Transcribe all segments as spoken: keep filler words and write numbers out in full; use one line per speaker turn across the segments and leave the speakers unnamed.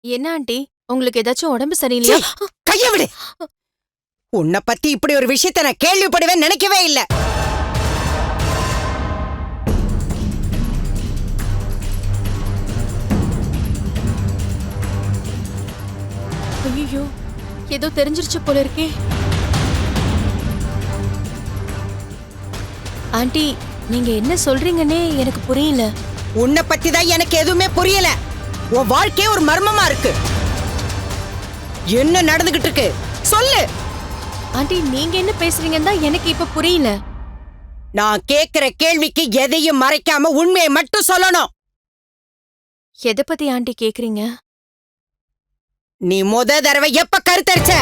என்ன ஆண்டி, உங்களுக்கு ஏதாச்சும் உடம்பு சரியில்லையா?
கைய விடு. உன்னை பத்தி இப்படி ஒரு விஷயத்தை நான் கேள்விப்படுவேன் நினைக்கவே இல்ல.
ஐயோ, ஏதோ தெரிஞ்சிருச்சு போல இருக்கே. ஆண்டி, நீங்க என்ன சொல்றீங்கன்னே எனக்கு புரியல.
உன்னை பத்தி தான் எனக்கு எதுவுமே புரியல. உன் வாழ்க்கையே ஒரு மர்மமா இருக்கு. என்ன நடந்துகிட்டு இருக்கு சொல்லு.
ஆண்டி, நீங்க என்ன பேசுறீங்கன்னு தான் எனக்கு இப்ப புரியல.
நான் கேக்குற கேள்விக்கு எதையும் மறைக்காம உண்மையை மட்டும் சொல்லணும்.
எதை பத்தி ஆண்டி கேக்குறீங்க?
நீ முத தடவை எப்ப கருத்தரிச்ச?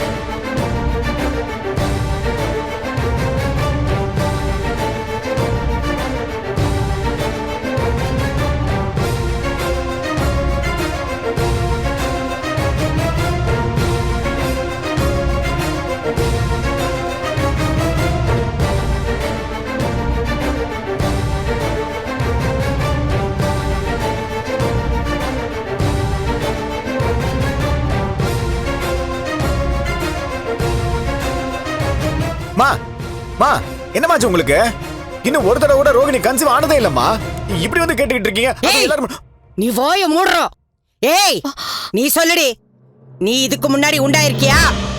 மா மா என்னமாச்சு உங்களுக்கு? இன்னும் ஒரு தடவை கூட ரோகிணி கன்சீவ் ஆனதே இல்லம்மா. இப்படி வந்து கேட்டுக்கிட்டு இருக்கீங்க. எல்லாரும்
நீ வாய மூடுறோம். ஏய், நீ சொல்லுடி, நீ இதுக்கு முன்னாடி உண்டாயிருக்கியா?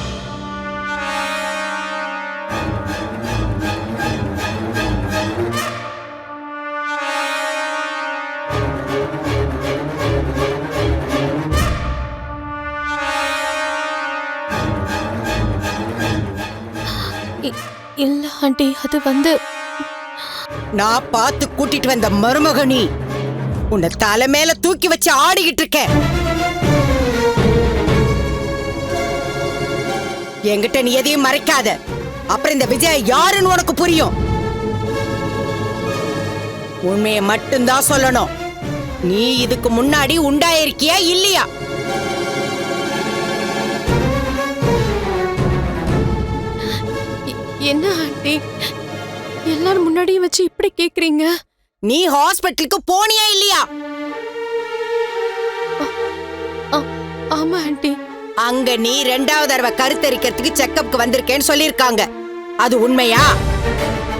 இல்ல ஆண்டி, அது வந்து
நான் பார்த்து கூட்டிட்டு வந்த மருமகனி உன்னை தலை மேல தூக்கி வச்சு ஆடிக்கிட்டு இருக்க. என்கிட்ட நீ எதையும் மறைக்காத. அப்புறம் இந்த விஜய் யாருன்னு உனக்கு புரியும். உண்மையை மட்டும்தான் சொல்லணும். நீ இதுக்கு முன்னாடி உண்டாயிருக்கியா இல்லையா?
என்ன ஆண்டி, எல்லாரும் முன்னாடியும் வச்சு இப்படி கேக்குறீங்க?
நீ ஹாஸ்பிட்டலுக்கு போனியா இல்லையா?
ஆமா ஆண்டி.
அங்க நீ ரெண்டாவது தடவை கருத்தரிக்கிறதுக்கு செக்கப்க்கு வந்திருக்கேன்னு சொல்லிருக்காங்க. அது உண்மையா?